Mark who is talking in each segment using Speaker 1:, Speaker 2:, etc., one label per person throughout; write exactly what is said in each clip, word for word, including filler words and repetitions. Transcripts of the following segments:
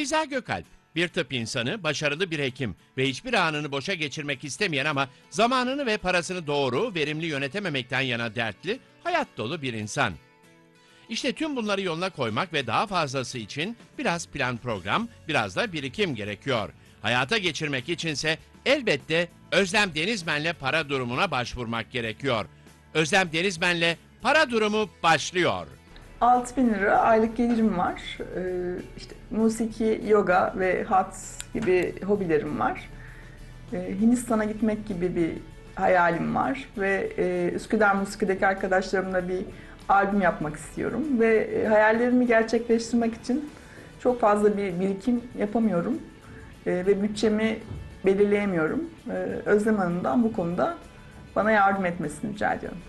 Speaker 1: Beyza Gökalp, bir tıp insanı, başarılı bir hekim ve hiçbir anını boşa geçirmek istemeyen ama zamanını ve parasını doğru, verimli yönetememekten yana dertli, hayat dolu bir insan. İşte tüm bunları yoluna koymak ve daha fazlası için biraz plan program, biraz da birikim gerekiyor. Hayata geçirmek içinse elbette Özlem Denizmen'le para durumuna başvurmak gerekiyor. Özlem Denizmen'le para durumu başlıyor.
Speaker 2: altı bin lira aylık gelirim var. Ee, işte musiki, yoga ve hat gibi hobilerim var. Ee, Hindistan'a gitmek gibi bir hayalim var ve e, Üsküdar Musiki'deki arkadaşlarımla bir albüm yapmak istiyorum ve e, hayallerimi gerçekleştirmek için çok fazla bir birikim yapamıyorum e, ve bütçemi belirleyemiyorum. E, Özlem Hanım'dan bu konuda bana yardım etmesini rica ediyorum.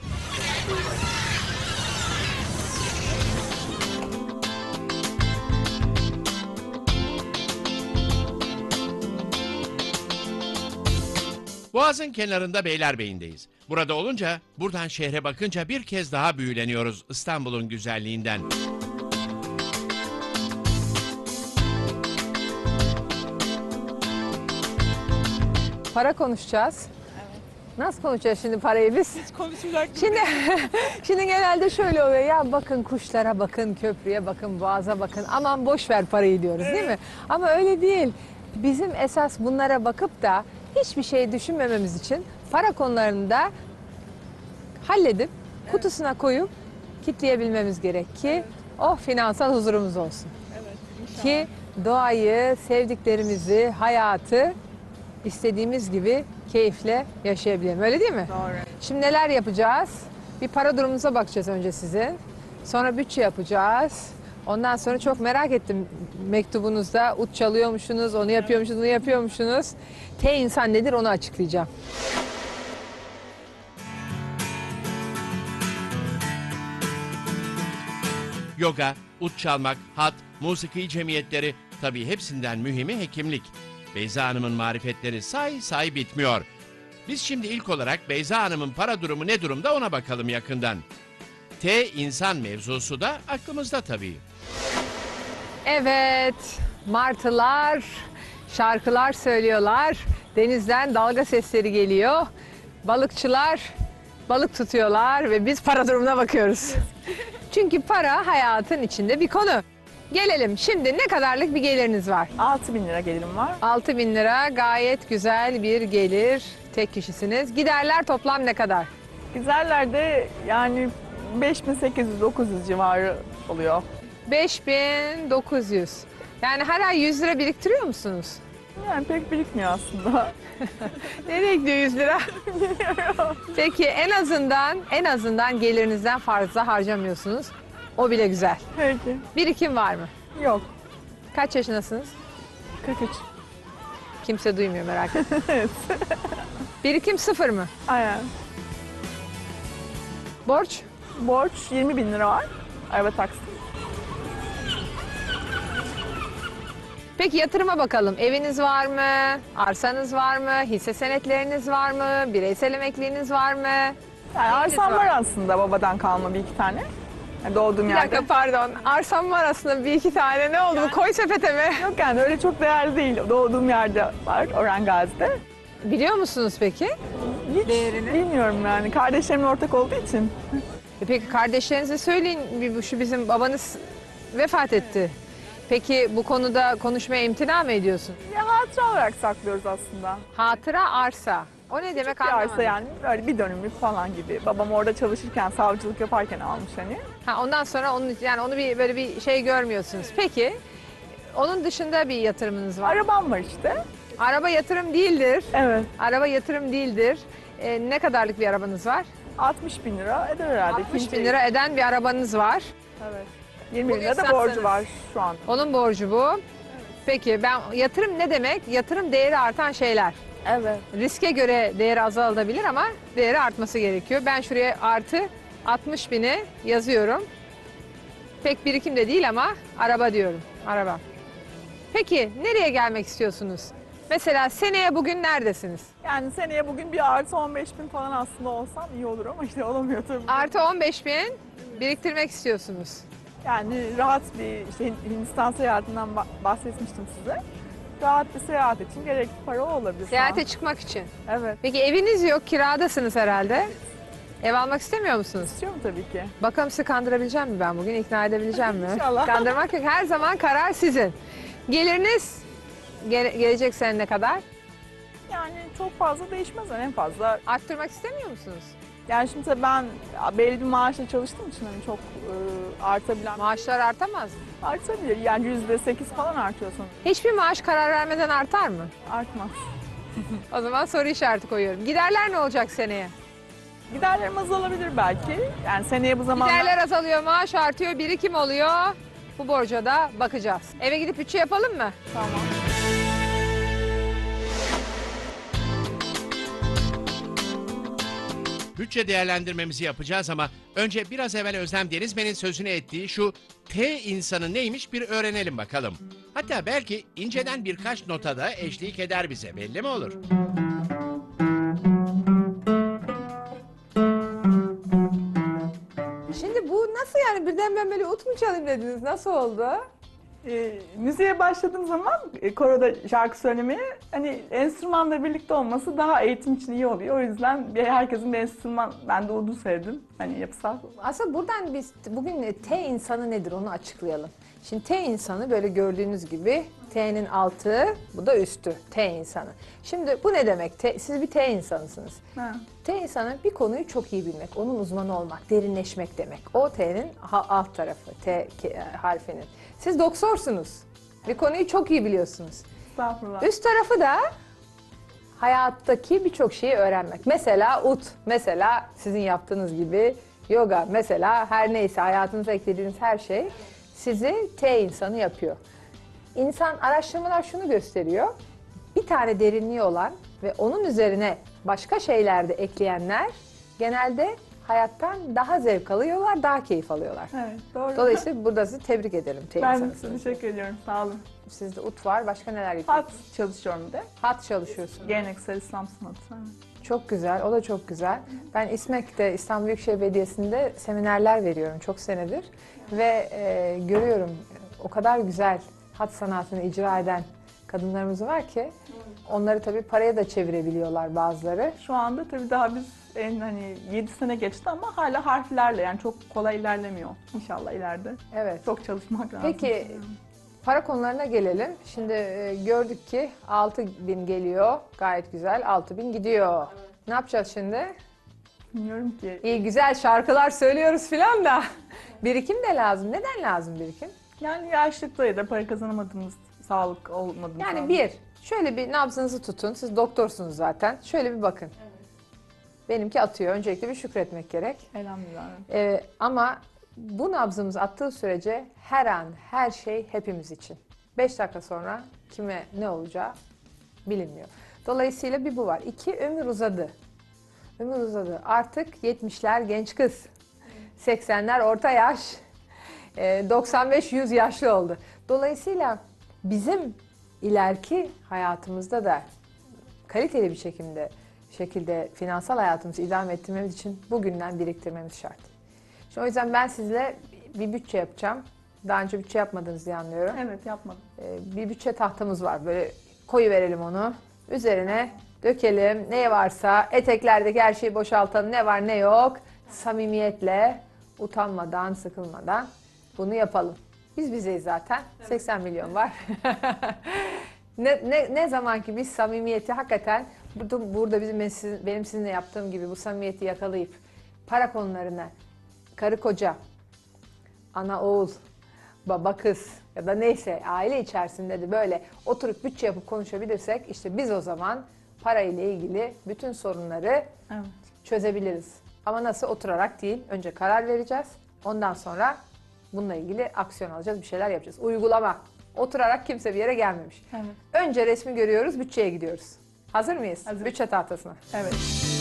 Speaker 1: Boğaz'ın kenarında Beylerbeyi'ndeyiz. Burada olunca, buradan şehre bakınca bir kez daha büyüleniyoruz İstanbul'un güzelliğinden.
Speaker 3: Para konuşacağız. Evet. Nasıl konuşacağız şimdi parayı biz?
Speaker 4: Hiç konuşacak gibi.
Speaker 3: Şimdi, şimdi genelde şöyle oluyor ya, bakın kuşlara bakın, köprüye bakın, boğaza bakın, aman boş ver parayı diyoruz, değil mi? Ama öyle değil. Bizim esas bunlara bakıp da hiçbir şey düşünmememiz için para konularını da halledip kutusuna koyup kitleyebilmemiz gerek ki oh finansal huzurumuz olsun.
Speaker 4: Evet, inşallah.
Speaker 3: Ki doğayı, sevdiklerimizi, hayatı istediğimiz gibi keyifle yaşayabilelim. Öyle değil mi?
Speaker 2: Doğru.
Speaker 3: Şimdi neler yapacağız? Bir para durumunuza bakacağız önce sizin. Sonra bütçe yapacağız. Ondan sonra çok merak ettim mektubunuzda ut çalıyormuşsunuz, onu yapıyormuşsunuz, onu yapıyormuşsunuz. T insan nedir onu açıklayacağım.
Speaker 1: Yoga, ut çalmak, hat, musiki cemiyetleri, tabii hepsinden mühimi hekimlik. Beyza Hanım'ın marifetleri say say bitmiyor. Biz şimdi ilk olarak Beyza Hanım'ın para durumu ne durumda ona bakalım yakından. T insan mevzusu da aklımızda tabii.
Speaker 3: Evet, martılar şarkılar söylüyorlar. Denizden dalga sesleri geliyor. Balıkçılar balık tutuyorlar ve biz para durumuna bakıyoruz. Çünkü para hayatın içinde bir konu. Gelelim şimdi, ne kadarlık bir geliriniz var?
Speaker 2: altı bin lira gelirim var.
Speaker 3: altı bin lira gayet güzel bir gelir. Tek kişisiniz. Giderler toplam ne kadar?
Speaker 2: Güzellerde yani beş bin sekiz yüz dokuz yüz civarı oluyor.
Speaker 3: beş bin dokuz yüz. Yani her ay yüz lira biriktiriyor musunuz?
Speaker 2: Yani pek birikmiyor aslında.
Speaker 3: Nereye gidiyor yüz lira? Peki en azından en azından gelirinizden fazla harcamıyorsunuz. O bile güzel.
Speaker 2: Peki.
Speaker 3: Birikim var mı?
Speaker 2: Yok.
Speaker 3: Kaç yaşındasınız?
Speaker 2: kırk üç.
Speaker 3: Kimse duymuyor, merak etme.
Speaker 2: Evet.
Speaker 3: Birikim sıfır mı?
Speaker 2: Aynen.
Speaker 3: Borç?
Speaker 2: Borç yirmi bin lira var. Araba taksi.
Speaker 3: Peki yatırıma bakalım. Eviniz var mı? Arsanız var mı? Hisse senetleriniz var mı? Bireysel emekliliğiniz var mı?
Speaker 2: Yani arsam
Speaker 3: var?
Speaker 2: var aslında babadan kalma bir iki tane. Yani doğduğum
Speaker 3: Bir
Speaker 2: yerde.
Speaker 3: dakika pardon. Arsam var aslında bir iki tane. Ne oldu bu? Koy sepete mi?
Speaker 2: Yok yani öyle çok değerli değil. Doğduğum yerde var Orhan Gazi'de.
Speaker 3: Biliyor musunuz peki?
Speaker 2: Hiç bilmiyorum yani. Kardeşlerimle ortak olduğu için.
Speaker 3: E peki kardeşlerinize söyleyin. Bir- Şu bizim babanız vefat etti. Peki bu konuda konuşmaya imtina mı ediyorsun?
Speaker 2: Ya hatıra olarak saklıyoruz aslında.
Speaker 3: Hatıra arsa. O ne demek
Speaker 2: Bir
Speaker 3: anlamadım.
Speaker 2: arsa yani böyle bir dönümlük falan gibi. Babam orada çalışırken, savcılık yaparken almış hani.
Speaker 3: Ha, ondan sonra onu yani onu bir böyle bir şey görmüyorsunuz. Peki onun dışında bir yatırımınız var.
Speaker 2: Arabam var işte.
Speaker 3: Araba yatırım değildir.
Speaker 2: Evet.
Speaker 3: Araba yatırım değildir. E, ne kadarlık bir arabanız var?
Speaker 2: altmış bin lira eder herhalde.
Speaker 3: altmış
Speaker 2: İkinci-
Speaker 3: bin lira eden bir arabanız var.
Speaker 2: Evet. yirmi bin
Speaker 3: Bugün
Speaker 2: lira da
Speaker 3: satsanız.
Speaker 2: borcu var şu anda.
Speaker 3: Onun borcu bu. Peki ben yatırım ne demek? Yatırım değeri artan şeyler.
Speaker 2: Evet.
Speaker 3: Riske göre değeri azalabilir ama değeri artması gerekiyor. Ben şuraya artı altmış bini yazıyorum. Pek birikim de değil ama araba diyorum. Araba. Peki nereye gelmek istiyorsunuz? Mesela seneye bugün neredesiniz?
Speaker 2: Yani seneye bugün bir artı on beş bin falan aslında olsam iyi olur ama işte olamıyor tabii.
Speaker 3: Artı on beş bin biriktirmek istiyorsunuz.
Speaker 2: Yani rahat bir işte Hindistan seyahatinden ba- bahsetmiştim size. Rahat bir seyahat için gerekli para o olabilir. şu an.
Speaker 3: Seyahate çıkmak için.
Speaker 2: Evet.
Speaker 3: Peki eviniz yok, kiradasınız herhalde. Ev almak istemiyor musunuz?
Speaker 2: İstiyorum tabii ki.
Speaker 3: Bakalım sizi kandırabileceğim mi ben bugün? İkna edebileceğim mi?
Speaker 2: İnşallah.
Speaker 3: Kandırmak yok. Her zaman karar sizin. Geliriniz gele- gelecek sene ne kadar?
Speaker 2: Yani çok fazla değişmez yani en fazla.
Speaker 3: Arttırmak istemiyor musunuz?
Speaker 2: Yani şimdi tabii ben belli bir maaşla çalıştığım için hani çok e, artabilen
Speaker 3: Maaşlar artamaz mı?
Speaker 2: artabilir. Yani yüzde sekiz falan artıyor sonra.
Speaker 3: Hiçbir maaş karar vermeden artar mı?
Speaker 2: Artmaz.
Speaker 3: O zaman soru işareti koyuyorum. Giderler ne olacak seneye?
Speaker 2: Giderlerim azalabilir belki. Yani seneye bu zamanlar...
Speaker 3: Giderler azalıyor, maaş artıyor, birikim oluyor. Bu borca da bakacağız. Eve gidip bütçe yapalım mı?
Speaker 2: Tamam.
Speaker 1: Bütçe değerlendirmemizi yapacağız ama önce biraz evvel Özlem Denizmen'in sözünü ettiği şu T insanı neymiş bir öğrenelim bakalım. Hatta belki inceden birkaç nota da eşlik eder bize, belli mi olur?
Speaker 3: Şimdi bu nasıl yani birden ben böyle ut mu çalayım dediniz? Nasıl oldu?
Speaker 2: E, müziğe başladığım zaman e, koroda şarkı söylemeye hani enstrümanla birlikte olması daha eğitim için iyi oluyor. O yüzden bir, herkesin bir enstrüman, ben de udun sevdim. Hani yapısal.
Speaker 3: Aslında buradan biz bugün T insanı nedir onu açıklayalım. Şimdi T insanı böyle gördüğünüz gibi T'nin altı, bu da üstü. T insanı. Şimdi bu ne demek? T, siz bir T insanısınız.
Speaker 2: Ha.
Speaker 3: T insanı bir konuyu çok iyi bilmek, onun uzmanı olmak, derinleşmek demek. O T'nin ha- alt tarafı, T ke- harfinin. Siz doktorsunuz. Bir konuyu çok iyi biliyorsunuz.
Speaker 2: Estağfurullah.
Speaker 3: Üst tarafı da hayattaki birçok şeyi öğrenmek. Mesela ut, mesela sizin yaptığınız gibi yoga, mesela her neyse hayatınıza eklediğiniz her şey sizi T insanı yapıyor. İnsan araştırmalar şunu gösteriyor. Bir tane derinliği olan ve onun üzerine başka şeyler de ekleyenler genelde hayattan daha zevk alıyorlar, daha keyif alıyorlar.
Speaker 2: Evet, doğru.
Speaker 3: Dolayısıyla burada sizi tebrik ederim T
Speaker 2: ben
Speaker 3: insanısınız.
Speaker 2: teşekkür ediyorum. Sağ olun.
Speaker 3: Sizde ut var, başka neler yapıyorsunuz?
Speaker 2: Hat çalışıyorum bir de.
Speaker 3: Hat çalışıyorsunuz.
Speaker 2: Geleneksel İslam sanatı. Evet.
Speaker 3: Çok güzel, o da çok güzel. Ben İSMEK'te, İstanbul Büyükşehir Belediyesi'nde seminerler veriyorum çok senedir. Ve e, görüyorum o kadar güzel hat sanatını icra eden kadınlarımız var ki onları tabii paraya da çevirebiliyorlar bazıları.
Speaker 2: Şu anda tabii daha biz en hani yedi sene geçti ama hala harflerle yani çok kolay ilerlemiyor. İnşallah ileride.
Speaker 3: Evet.
Speaker 2: Çok çalışmak lazım.
Speaker 3: Peki para konularına gelelim. Şimdi e, gördük ki altı bin geliyor, gayet güzel, altı bin gidiyor. Ne yapacağız şimdi?
Speaker 2: Bilmiyorum ki.
Speaker 3: İyi güzel şarkılar söylüyoruz filan da birikim de lazım. Neden lazım birikim?
Speaker 2: Yani yaşlıkta ya da para kazanamadığımız, sağlık olmadığımız.
Speaker 3: Yani
Speaker 2: zaman.
Speaker 3: bir, şöyle bir nabzınızı tutun. Siz doktorsunuz zaten. Şöyle bir bakın. Benimki atıyor. Öncelikle bir şükretmek gerek.
Speaker 2: Elhamdülillah.
Speaker 3: Ee, ama bu nabzımız attığı sürece her an, her şey hepimiz için. Beş dakika sonra kime ne olacağı bilinmiyor. Dolayısıyla bir bu var. İki, ömür uzadı. Ömür uzadı. Artık yetmişler genç kız. seksenler orta yaş. Ee, doksan beş yüz yaşlı oldu. Dolayısıyla bizim ileriki hayatımızda da kaliteli bir şekilde şekilde finansal hayatımızı idame ettirmemiz için bugünden biriktirmemiz şart. Şimdi o yüzden ben sizinle bir bütçe yapacağım. Daha önce bütçe yapmadınız diye anlıyorum.
Speaker 2: Evet yapmadım.
Speaker 3: Ee, bir bütçe tahtamız var. Böyle koyu verelim onu. Üzerine dökelim. Ne varsa eteklerdeki her şeyi boşaltalım. Ne var ne yok. Samimiyetle, utanmadan, sıkılmadan bunu yapalım. Biz bizeyiz zaten. seksen milyon var. ne, ne, ne zaman ki biz samimiyeti hakikaten burada, burada bizim benim sizinle yaptığım gibi bu samimiyeti yakalayıp para konularına karı koca, ana oğul, baba kız ya da neyse aile içerisinde de böyle oturup bütçe yapıp konuşabilirsek işte biz o zaman para ile ilgili bütün sorunları
Speaker 2: Evet.
Speaker 3: çözebiliriz. Ama nasıl? Oturarak değil. Önce karar vereceğiz. Ondan sonra bununla ilgili aksiyon alacağız, bir şeyler yapacağız. Uygulama. Oturarak kimse bir yere gelmemiş.
Speaker 2: Evet.
Speaker 3: Önce resmi görüyoruz, bütçeye gidiyoruz. Hazır mıyız?
Speaker 2: Hazır.
Speaker 3: Bütçe tahtasına.
Speaker 2: Evet.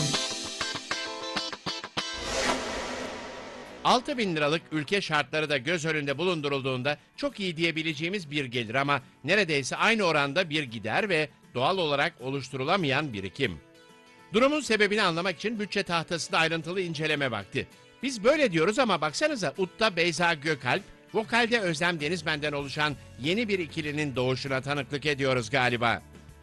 Speaker 1: altı bin liralık ülke şartları da göz önünde bulundurulduğunda çok iyi diyebileceğimiz bir gelir ama neredeyse aynı oranda bir gider ve doğal olarak oluşturulamayan birikim. Durumun sebebini anlamak için bütçe tahtasında ayrıntılı inceleme vakti. Biz böyle diyoruz ama baksanıza Utta Beyza Gökalp Vokalde Özlem Denizmen'den oluşan yeni bir ikilinin doğuşuna tanıklık ediyoruz galiba.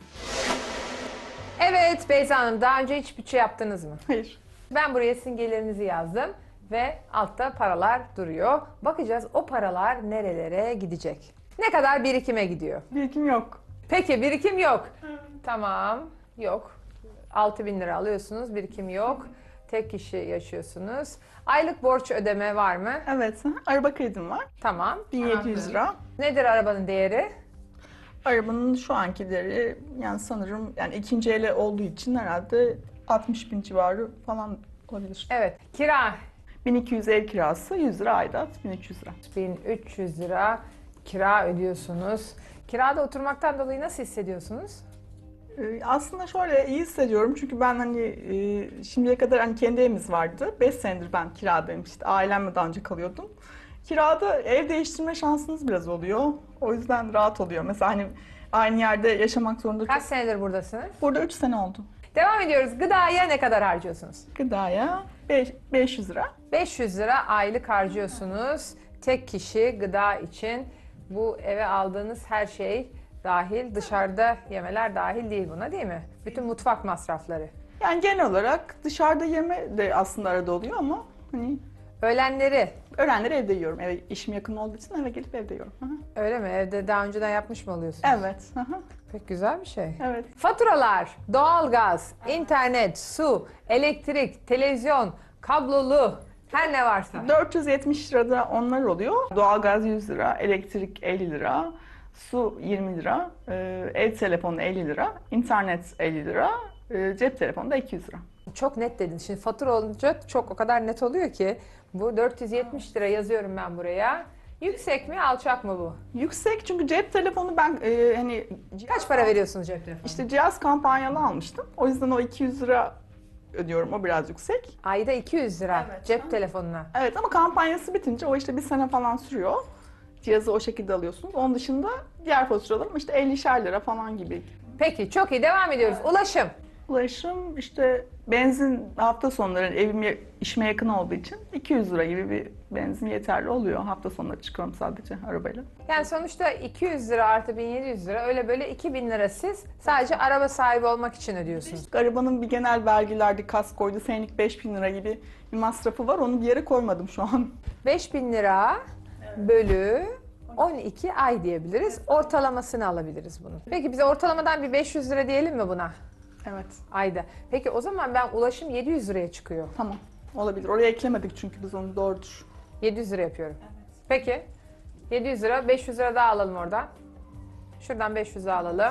Speaker 3: Evet Beyza Hanım, daha önce hiç bütçe yaptınız mı?
Speaker 2: Hayır.
Speaker 3: Ben buraya sizin gelirinizi yazdım ve altta paralar duruyor. Bakacağız o paralar nerelere gidecek? Ne kadar birikime gidiyor?
Speaker 2: Birikim yok.
Speaker 3: Peki birikim yok. Tamam, yok. altı bin lira alıyorsunuz, birikim yok. Tek kişi yaşıyorsunuz. Aylık borç ödeme var mı?
Speaker 2: Evet. hı. Araba kredim var.
Speaker 3: Tamam.
Speaker 2: bin yedi yüz lira.
Speaker 3: Nedir arabanın değeri?
Speaker 2: Arabanın şu anki değeri yani sanırım yani ikinci ele olduğu için herhalde altmış bin civarı falan olabilir.
Speaker 3: Evet. Kira
Speaker 2: bin iki yüz ev kirası, yüz lira aidat, bin üç yüz lira.
Speaker 3: bin üç yüz lira kira ödüyorsunuz. Kirada oturmaktan dolayı nasıl hissediyorsunuz?
Speaker 2: Ee, Aslında şöyle iyi hissediyorum çünkü ben hani e, şimdiye kadar hani kendi evimiz vardı. beş senedir ben kiradayım işte ailemle daha önce kalıyordum. Kirada ev değiştirme şansınız biraz oluyor. O yüzden rahat oluyor. Mesela hani aynı yerde yaşamak zorunda
Speaker 3: Kaç
Speaker 2: çok...
Speaker 3: senedir buradasınız?
Speaker 2: Burada üç sene oldu.
Speaker 3: Devam ediyoruz. Gıdaya ne kadar harcıyorsunuz?
Speaker 2: Gıdaya beş- beş yüz lira.
Speaker 3: beş yüz lira aylık harcıyorsunuz. Tek kişi gıda için bu eve aldığınız her şey dahil, dışarıda yemeler dahil değil buna değil mi? Bütün mutfak masrafları.
Speaker 2: Yani genel olarak dışarıda yeme de aslında arada oluyor ama hani
Speaker 3: Öğlenleri
Speaker 2: öğlenleri evde yiyorum. Eve işim yakın olduğu için eve gelip evde yiyorum. Hı hı.
Speaker 3: öyle mi? Evde daha önceden yapmış mı oluyorsunuz?
Speaker 2: Evet. hı hı.
Speaker 3: Pek güzel bir şey.
Speaker 2: Evet.
Speaker 3: Faturalar, doğalgaz, internet, su, elektrik, televizyon, kablolu, her ne varsa.
Speaker 2: dört yüz yetmiş lirada onlar oluyor. Doğalgaz yüz lira, elektrik elli lira, su yirmi lira, e, ev telefonu elli lira, internet elli lira, e, cep telefonu da iki yüz lira.
Speaker 3: Çok net dedin. Şimdi fatura olunca çok o kadar net oluyor ki bu dört yüz yetmiş lira yazıyorum ben buraya. Yüksek mi, alçak mı bu?
Speaker 2: Yüksek çünkü cep telefonu ben e, hani
Speaker 3: Kaç para veriyorsunuz cep telefonu?
Speaker 2: işte cihaz kampanyalı almıştım. O yüzden o iki yüz lira ödüyorum. O biraz yüksek.
Speaker 3: Ayda iki yüz lira
Speaker 2: Evet.
Speaker 3: cep telefonuna.
Speaker 2: Evet ama kampanyası bitince o işte bir sene falan sürüyor. Cihazı o şekilde alıyorsunuz. Onun dışında diğer faturalarım işte ellişer lira falan gibi.
Speaker 3: Peki çok iyi devam ediyoruz. Ulaşım.
Speaker 2: Ulaşım işte benzin hafta sonları evim işime yakın olduğu için iki yüz lira gibi bir benzin yeterli oluyor. Hafta sonları çıkıyorum sadece arabayla.
Speaker 3: Yani sonuçta iki yüz lira artı bin yedi yüz lira öyle böyle iki bin lira siz sadece araba sahibi olmak için ödüyorsunuz.
Speaker 2: Arabanın bir genel vergilerdi, kaskoydu, senelik beş bin lira gibi bir masrafı var. Onu bir yere koymadım şu an.
Speaker 3: beş bin lira bölü on iki ay diyebiliriz. Ortalamasını alabiliriz bunun. Peki bize ortalamadan bir beş yüz lira diyelim mi buna?
Speaker 2: Evet,
Speaker 3: Ayda. Peki o zaman ben ulaşım yedi yüz liraya çıkıyor.
Speaker 2: tamam. Olabilir. Oraya eklemedik çünkü biz onu doğrudur.
Speaker 3: yedi yüz lira yapıyorum. Peki. yedi yüz lira, beş yüz lira daha alalım oradan. Şuradan beş yüz daha alalım.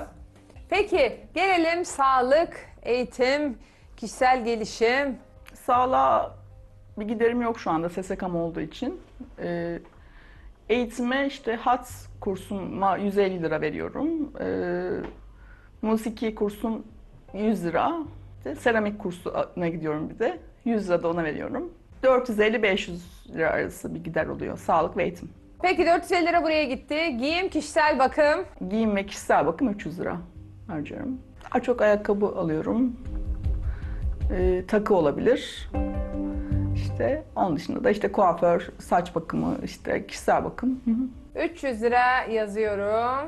Speaker 3: Peki gelelim sağlık, eğitim, kişisel gelişim.
Speaker 2: Sağlığa bir giderim yok şu anda S S K'm olduğu için. Ee, eğitime işte hat kursuma yüz elli lira veriyorum. Ee, musiki kursum yüz lira. İşte seramik kursuna gidiyorum bir de. yüz lira da ona veriyorum. dört yüz elli beş yüz lira arası bir gider oluyor sağlık ve eğitim.
Speaker 3: Peki dört yüz elli lira buraya gitti. Giyim, kişisel bakım.
Speaker 2: Giyim ve kişisel bakım üç yüz lira harcıyorum. Daha çok ayakkabı alıyorum. Ee, takı olabilir. İşte onun dışında da işte kuaför, saç bakımı, işte kişisel bakım. Hı hı.
Speaker 3: üç yüz lira yazıyorum.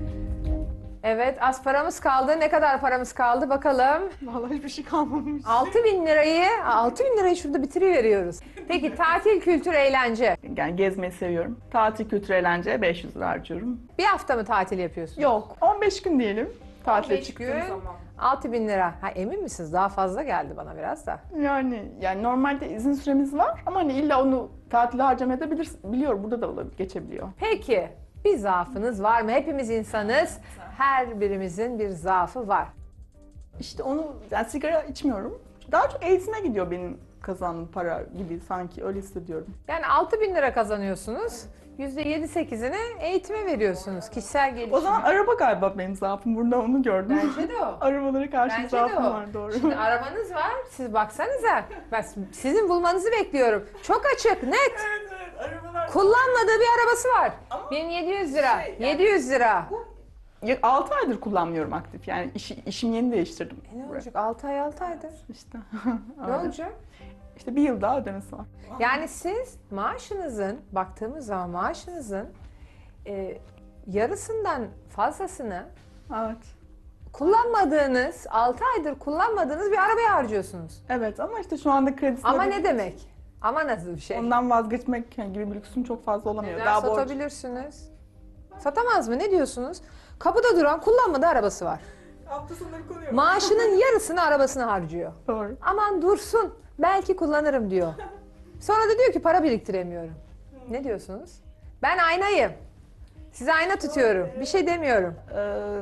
Speaker 3: Evet, az paramız kaldı. Ne kadar paramız kaldı bakalım.
Speaker 2: Vallahi hiçbir şey kalmamış.
Speaker 3: altı bin lirayı, altı bin lirayı şurada bitiriveriyoruz. Peki tatil, kültür, eğlence.
Speaker 2: Yani gezmeyi seviyorum. Tatil, kültür, eğlence beş yüz lira harcıyorum.
Speaker 3: Bir hafta mı tatil yapıyorsunuz?
Speaker 2: Yok, on beş gün diyelim. Tatile
Speaker 3: on beş
Speaker 2: çıktığım
Speaker 3: gün,
Speaker 2: zaman.
Speaker 3: altı bin lira. Ha, emin misiniz? Daha fazla geldi bana biraz da.
Speaker 2: Yani yani normalde izin süremiz var ama hani illa onu tatile harcamayabilir, biliyor burada da olabilir, geçebiliyor.
Speaker 3: Peki, bir zaafınız var mı? Hepimiz insanız. Her birimizin bir zaafı var.
Speaker 2: İşte onu, yani sigara içmiyorum. Daha çok eğitime gidiyor benim kazandığım para gibi sanki öyle hissediyorum.
Speaker 3: Yani altı bin lira kazanıyorsunuz. yüzde yedi sekizini eğitime veriyorsunuz. Kişisel gelişim.
Speaker 2: O zaman araba galiba benim zaafım. Burada onu gördüm.
Speaker 3: Bence de o.
Speaker 2: Arabalara karşı
Speaker 3: Bence de
Speaker 2: zaafım
Speaker 3: o.
Speaker 2: var doğru.
Speaker 3: Şimdi arabanız var. Siz baksanıza. Ben sizin bulmanızı bekliyorum. Çok açık, net.
Speaker 2: Evet evet arabalar.
Speaker 3: Kullanmadığı bir arabası var.
Speaker 2: Ama
Speaker 3: bin yedi yüz lira.
Speaker 2: şey, yani-
Speaker 3: yedi yüz lira.
Speaker 2: altı aydır kullanmıyorum aktif. Yani işi, işimi yeni değiştirdim.
Speaker 3: E ne olacak? altı ay altı aydır.
Speaker 2: İşte.
Speaker 3: Ne olacak?
Speaker 2: İşte bir yıl daha ödemesi var.
Speaker 3: Yani siz maaşınızın, baktığımız zaman maaşınızın e, yarısından fazlasını
Speaker 2: Evet.
Speaker 3: kullanmadığınız, altı aydır kullanmadığınız bir arabaya harcıyorsunuz.
Speaker 2: Evet ama işte şu anda kredisi...
Speaker 3: Ama ne demek? Ama nasıl bir şey?
Speaker 2: Ondan vazgeçmek gibi bir lüksüm çok fazla olamıyor.
Speaker 3: Neden
Speaker 2: Daha borç.
Speaker 3: satabilirsiniz? Satamaz mı? Ne diyorsunuz? Kapıda duran kullanmadığı arabası var.
Speaker 2: Hafta sonları konuyor.
Speaker 3: Maaşının yarısını arabasına harcıyor.
Speaker 2: Doğru.
Speaker 3: Aman dursun, belki kullanırım diyor. Sonra da diyor ki para biriktiremiyorum. Ne diyorsunuz? Ben aynayım. Size ayna tutuyorum. Bir şey demiyorum.
Speaker 2: Ee,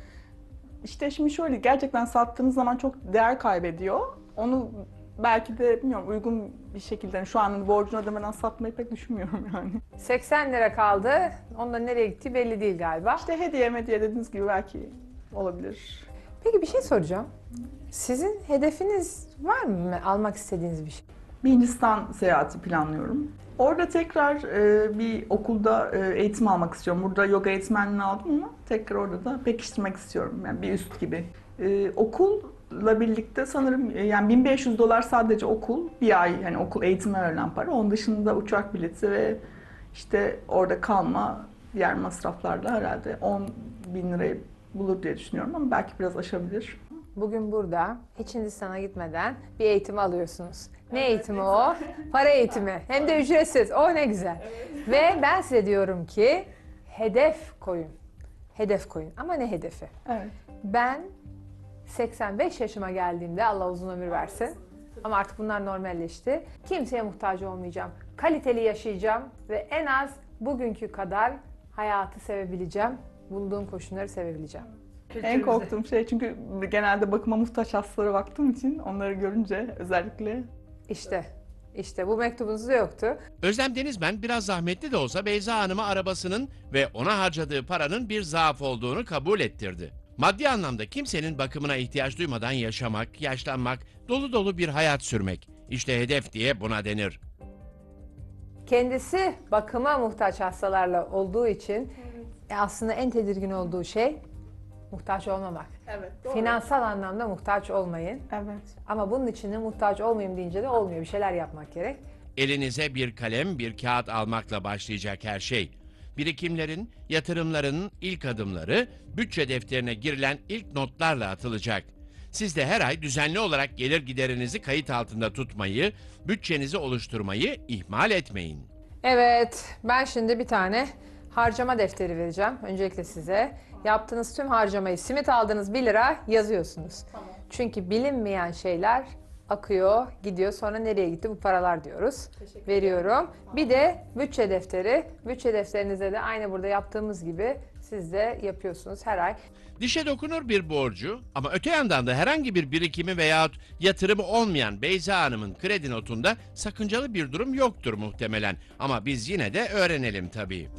Speaker 2: işte şimdi şöyle, gerçekten sattığınız zaman çok değer kaybediyor. Onu belki de bilmiyorum uygun bir şekilde, yani şu an borcunu ödemeden satmayı pek düşünmüyorum yani.
Speaker 3: seksen lira kaldı. Ondan nereye gittiği belli değil galiba.
Speaker 2: İşte hediye mediye dediğiniz gibi belki olabilir.
Speaker 3: Peki bir şey soracağım. Sizin hedefiniz var mı almak istediğiniz bir şey?
Speaker 2: Bir Hindistan seyahati planlıyorum. Orada tekrar e, bir okulda e, eğitim almak istiyorum. Burada yoga eğitmenliğini aldım ama tekrar orada da pekiştirmek istiyorum. Yani bir üst gibi. E, okulla birlikte sanırım e, yani bin beş yüz dolar sadece okul, bir ay yani okul eğitime verilen para. Onun dışında uçak bileti ve işte orada kalma, diğer masraflarla herhalde on bin lirayı bulur diye düşünüyorum ama belki biraz aşabilir.
Speaker 3: Bugün burada hiç Hindistan'a gitmeden bir eğitim alıyorsunuz. Ne eğitimi o? Para eğitimi. Hem de ücretsiz. O ne güzel. Ve ben size diyorum ki hedef koyun. Hedef koyun. Ama ne hedefi?
Speaker 2: Evet.
Speaker 3: Ben seksen beş yaşıma geldiğimde Allah uzun ömür versin. Ama artık bunlar normalleşti. Kimseye muhtaç olmayacağım. Kaliteli yaşayacağım ve en az bugünkü kadar hayatı sevebileceğim. Bulduğum koşulları sevebileceğim.
Speaker 2: En korktuğum şey, çünkü genelde bakıma muhtaç hastalara baktığım için onları görünce özellikle.
Speaker 3: İşte, işte bu mektubunuzda yoktu.
Speaker 1: Özlem Denizmen biraz zahmetli de olsa Beyza Hanım'a arabasının ve ona harcadığı paranın bir zaaf olduğunu kabul ettirdi. Maddi anlamda kimsenin bakımına ihtiyaç duymadan yaşamak, yaşlanmak, dolu dolu bir hayat sürmek. İşte hedef diye buna denir.
Speaker 3: Kendisi bakıma muhtaç hastalarla olduğu için e, aslında en tedirgin olduğu şey muhtaç olmamak.
Speaker 2: Evet.
Speaker 3: Finansal anlamda muhtaç olmayın.
Speaker 2: Evet.
Speaker 3: Ama bunun için de muhtaç olmayayım deyince de olmuyor. Bir şeyler yapmak gerek.
Speaker 1: Elinize bir kalem, bir kağıt almakla başlayacak her şey. Birikimlerin, yatırımların ilk adımları bütçe defterine girilen ilk notlarla atılacak. Siz de her ay düzenli olarak gelir giderinizi kayıt altında tutmayı, bütçenizi oluşturmayı ihmal etmeyin.
Speaker 3: Evet, ben şimdi bir tane harcama defteri vereceğim. Öncelikle size. Yaptığınız tüm harcamayı, simit aldığınız bir lira yazıyorsunuz.
Speaker 2: Tamam.
Speaker 3: Çünkü bilinmeyen şeyler akıyor, gidiyor. Sonra nereye gitti bu paralar diyoruz. Veriyorum. Bir de bütçe defteri. Bütçe defterinizde de aynı burada yaptığımız gibi siz de yapıyorsunuz her ay.
Speaker 1: Dişe dokunur bir borcu ama öte yandan da herhangi bir birikimi veyahut yatırımı olmayan Beyza Hanım'ın kredi notunda sakıncalı bir durum yoktur muhtemelen. Ama biz yine de öğrenelim tabii.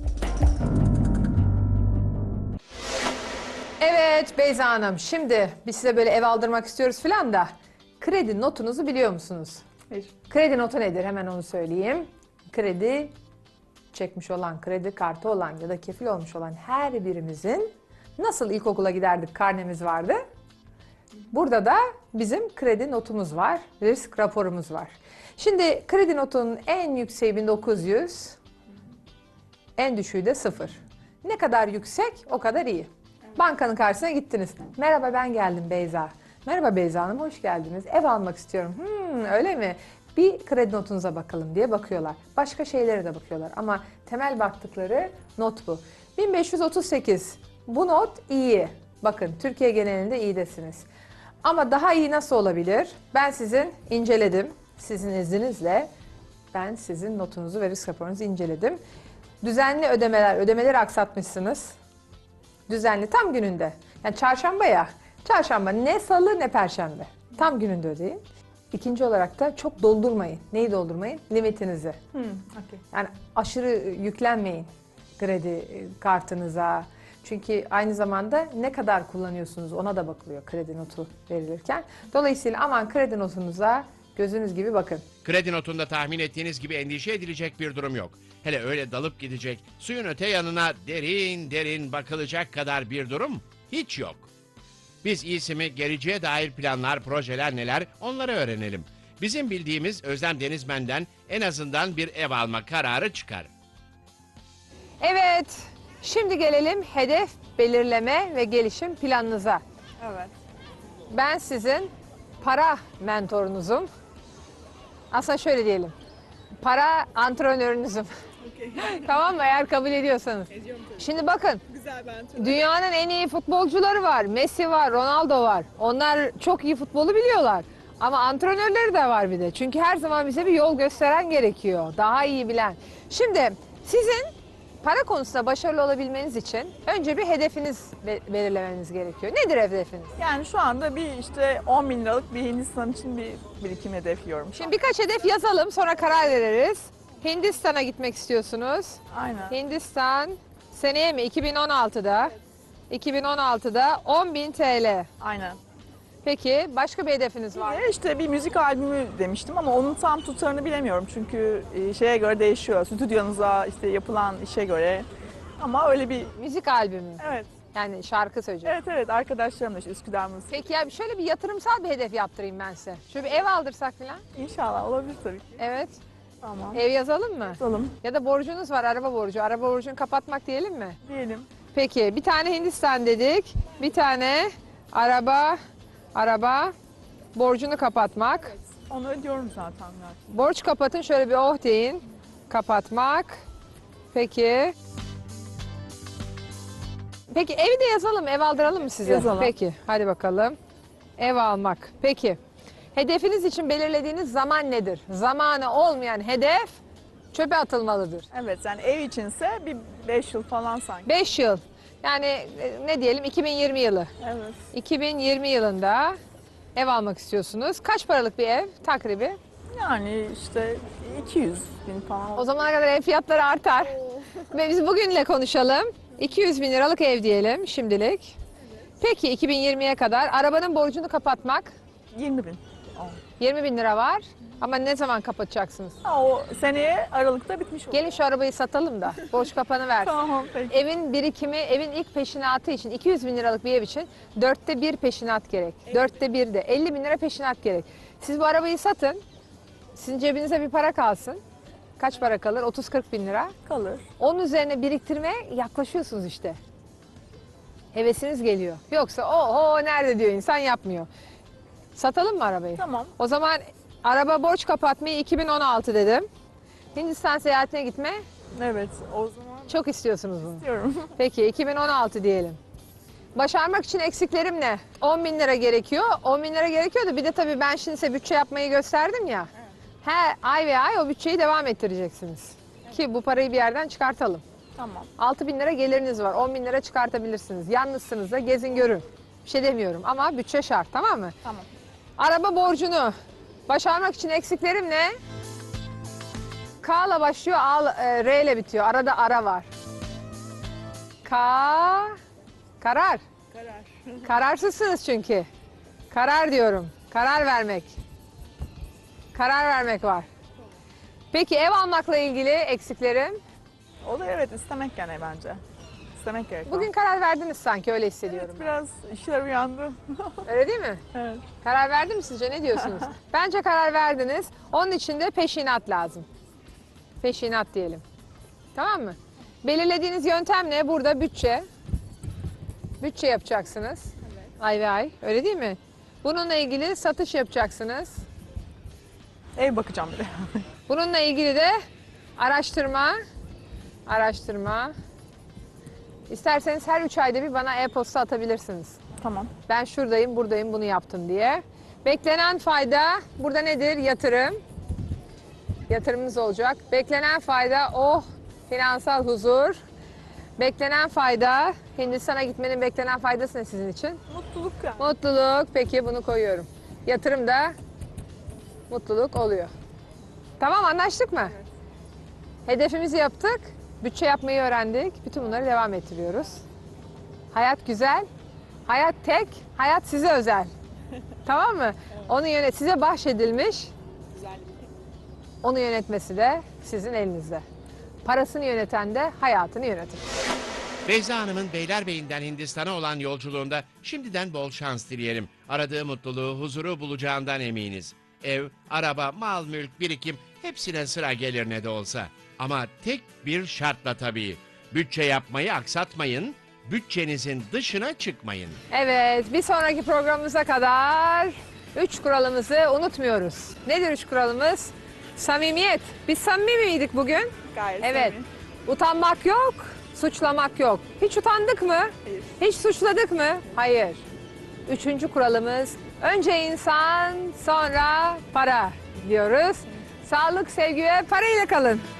Speaker 3: Evet Beyza Hanım, şimdi biz size böyle ev aldırmak istiyoruz filan da kredi notunuzu biliyor musunuz?
Speaker 2: Hayır.
Speaker 3: Kredi notu nedir? Hemen onu söyleyeyim. Kredi çekmiş olan, kredi kartı olan ya da kefil olmuş olan her birimizin nasıl ilkokula giderdik karnemiz vardı. Burada da bizim kredi notumuz var, risk raporumuz var. Şimdi kredi notunun en yükseği bin dokuz yüz, en düşüğü de sıfır. Ne kadar yüksek o kadar iyi. Bankanın karşısına gittiniz. Merhaba ben geldim Beyza. Merhaba Beyza Hanım hoş geldiniz. Ev almak istiyorum. Hmm, öyle mi? Bir kredi notunuza bakalım diye bakıyorlar. Başka şeylere de bakıyorlar ama temel baktıkları not bu. bin beş yüz otuz sekiz. Bu not iyi. Bakın Türkiye genelinde iyidesiniz. Ama daha iyi nasıl olabilir? Ben sizin inceledim. Sizin izninizle ben sizin notunuzu ve risk raporunuzu inceledim. Düzenli ödemeler, ödemeleri aksatmışsınız. Düzenli tam gününde. Yani çarşamba ya. Çarşamba ne salı ne perşembe. Tam gününde ödeyin. İkinci olarak da çok doldurmayın. Neyi doldurmayın? Limitinizi.
Speaker 2: Hmm, okay.
Speaker 3: Yani aşırı yüklenmeyin kredi kartınıza. Çünkü aynı zamanda ne kadar kullanıyorsunuz ona da bakılıyor kredi notu verilirken. Dolayısıyla aman kredi notunuza gözünüz gibi bakın.
Speaker 1: Kredi notunda tahmin ettiğiniz gibi endişe edilecek bir durum yok. Hele öyle dalıp gidecek, suyun öte yanına derin derin bakılacak kadar bir durum hiç yok. Biz iyisi mi geleceğe dair planlar, projeler neler onları öğrenelim. Bizim bildiğimiz Özlem Denizmen'den en azından bir ev alma kararı çıkar.
Speaker 3: Evet, şimdi gelelim hedef belirleme ve gelişim planınıza.
Speaker 2: Evet.
Speaker 3: Ben sizin para mentorunuzum. Aslında şöyle diyelim, para antrenörünüzüm. Tamam mı? Eğer kabul ediyorsanız. Şimdi bakın,
Speaker 4: Güzel ben.
Speaker 3: dünyanın en iyi futbolcuları var. Messi var, Ronaldo var. Onlar çok iyi futbolu biliyorlar. Ama antrenörleri de var bir de. Çünkü her zaman bize bir yol gösteren gerekiyor. Daha iyi bilen. Şimdi sizin para konusunda başarılı olabilmeniz için önce bir hedefiniz be- belirlemeniz gerekiyor. Nedir hedefiniz?
Speaker 2: Yani şu anda bir işte on bin liralık bir Hindistan için bir birikim hedefliyorum.
Speaker 3: Şimdi birkaç hedef yazalım, sonra karar veririz. Hindistan'a gitmek istiyorsunuz.
Speaker 2: Aynen.
Speaker 3: Hindistan seneye mi? iki bin on altıda. iki bin on altıda on bin T L.
Speaker 2: Aynen.
Speaker 3: Peki başka bir hedefiniz var mı?
Speaker 2: Ve işte bir müzik albümü demiştim ama onun tam tutarını bilemiyorum. Çünkü e, şeye göre değişiyor. Stüdyonuza işte yapılan işe göre. Ama öyle bir
Speaker 3: Müzik albümü.
Speaker 2: evet.
Speaker 3: Yani şarkı söyleyeceğim.
Speaker 2: Evet evet arkadaşlarımla işte Üsküdar Müzik.
Speaker 3: Peki ya şöyle bir yatırımsal bir hedef yaptırayım ben size. Şöyle bir ev aldırsak falan.
Speaker 2: İnşallah olabilir tabii ki.
Speaker 3: Evet.
Speaker 2: Tamam.
Speaker 3: Ev yazalım mı?
Speaker 2: Yapalım
Speaker 3: Ya da borcunuz var, araba borcu. Araba borcunu kapatmak diyelim mi?
Speaker 2: diyelim.
Speaker 3: Peki bir tane Hindistan dedik. Bir tane araba, araba borcunu kapatmak.
Speaker 2: Onu ödüyorum zaten. zaten.
Speaker 3: Borç kapatın, şöyle bir oh deyin. Kapatmak. Peki. Peki evi de yazalım, ev aldıralım mı size?
Speaker 2: Yazalım.
Speaker 3: Peki, hadi bakalım. Ev almak. Peki. Hedefiniz için belirlediğiniz zaman nedir? Zamanı olmayan hedef çöpe atılmalıdır.
Speaker 2: Evet yani ev içinse bir beş yıl falan sanki.
Speaker 3: beş yıl. Yani e, ne diyelim iki bin yirmi yılı.
Speaker 2: Evet.
Speaker 3: iki bin yirmi yılında ev almak istiyorsunuz. Kaç paralık bir ev takribi?
Speaker 2: Yani işte iki yüz bin falan.
Speaker 3: O zamana kadar ev fiyatları artar. Ve biz bugünle konuşalım. iki yüz bin liralık ev diyelim şimdilik. Peki iki bin yirmiye kadar arabanın borcunu kapatmak
Speaker 2: yirmi bin.
Speaker 3: yirmi bin lira var. Ama ne zaman kapatacaksınız?
Speaker 2: Ha, o seneye Aralık'ta bitmiş olur.
Speaker 3: Gelin şu arabayı satalım da borç kapanı versin.
Speaker 2: Tamam peki.
Speaker 3: Evin birikimi, evin ilk peşinatı için iki yüz bin liralık bir ev için dörtte bir peşinat gerek. Dörtte bir de elli bin lira peşinat gerek. Siz bu arabayı satın, sizin cebinize bir para kalsın. Kaç para kalır? otuz kırk bin lira.
Speaker 2: Kalır.
Speaker 3: Onun üzerine biriktirmeye yaklaşıyorsunuz işte. Hevesiniz geliyor. Yoksa oho nerede diyor insan yapmıyor. Satalım mı arabayı?
Speaker 2: Tamam.
Speaker 3: O zaman araba borç kapatmayı iki bin on altı dedim. Hindistan seyahatine gitme
Speaker 2: Evet o zaman
Speaker 3: çok istiyorsunuz bunu.
Speaker 2: diyorum.
Speaker 3: Peki iki bin on altı diyelim. Başarmak için eksiklerim ne? on bin lira gerekiyor. on bin lira gerekiyor da bir de tabii ben şimdi size bütçe yapmayı gösterdim ya. Her ay ve ay o bütçeyi devam ettireceksiniz. Ki bu parayı bir yerden çıkartalım.
Speaker 2: Tamam.
Speaker 3: altı bin lira geliriniz var. on bin lira çıkartabilirsiniz. Yalnızsınız da gezin görün. Bir şey demiyorum ama bütçe şart, tamam mı?
Speaker 2: Tamam.
Speaker 3: Araba borcunu başarmak için eksiklerim ne? K ile başlıyor, A, e, R ile bitiyor. Arada ara var. K, karar.
Speaker 2: Karar.
Speaker 3: Kararsızsınız çünkü. Karar diyorum. Karar vermek. Karar vermek var. Peki ev almakla ilgili eksiklerim?
Speaker 2: O da evet istemek gene bence. İstemek gerek.
Speaker 3: Bugün karar verdiniz sanki, öyle hissediyorum.
Speaker 2: evet, biraz işler uyandı.
Speaker 3: Öyle değil mi?
Speaker 2: evet.
Speaker 3: Karar verdi mi sizce? Ne diyorsunuz? Bence karar verdiniz. Onun için de peşinat lazım. Peşinat diyelim. Tamam mı? Belirlediğiniz yöntem ne? Burada bütçe. Bütçe yapacaksınız. Ay ve ay. Öyle değil mi? Bununla ilgili satış yapacaksınız.
Speaker 2: Ev bakacağım bir de.
Speaker 3: Bununla ilgili de araştırma. Araştırma. İsterseniz her üç ayda bir bana e-posta atabilirsiniz.
Speaker 2: tamam.
Speaker 3: Ben şuradayım, buradayım, bunu yaptım diye. Beklenen fayda burada nedir? Yatırım. Yatırımınız olacak. Beklenen fayda oh finansal huzur. Beklenen fayda Hindistan'a gitmenin beklenen faydası ne sizin için?
Speaker 2: Mutluluk yani.
Speaker 3: Mutluluk. Peki bunu koyuyorum. Yatırım da mutluluk oluyor. Tamam anlaştık mı? Hedefimizi yaptık. Bütçe yapmayı öğrendik. Bütün bunları devam ettiriyoruz. Hayat güzel. Hayat tek. Hayat size özel. Tamam mı? Onu yönet size bahşedilmiş. Onu yönetmesi de sizin elinizde. Parasını yöneten de hayatını yönetir.
Speaker 1: Beyza Hanım'ın Beylerbeyi'nden Hindistan'a olan yolculuğunda şimdiden bol şans dileyelim. Aradığı mutluluğu, huzuru bulacağından eminiz. ev, araba, mal, mülk, birikim hepsine sıra gelir ne de olsa. Ama tek bir şartla tabii. Bütçe yapmayı aksatmayın, bütçenizin dışına çıkmayın.
Speaker 3: Evet, bir sonraki programımıza kadar üç kuralımızı unutmuyoruz. Nedir üç kuralımız? Samimiyet. Biz samimi miydik bugün?
Speaker 4: Gayet
Speaker 3: Evet.
Speaker 4: samimi.
Speaker 3: Utanmak yok, suçlamak yok. Hiç utandık mı?
Speaker 4: Hayır.
Speaker 3: Hiç suçladık mı? Hayır. Üçüncü kuralımız önce insan sonra para diyoruz. Sağlık, sevgi ve parayla kalın.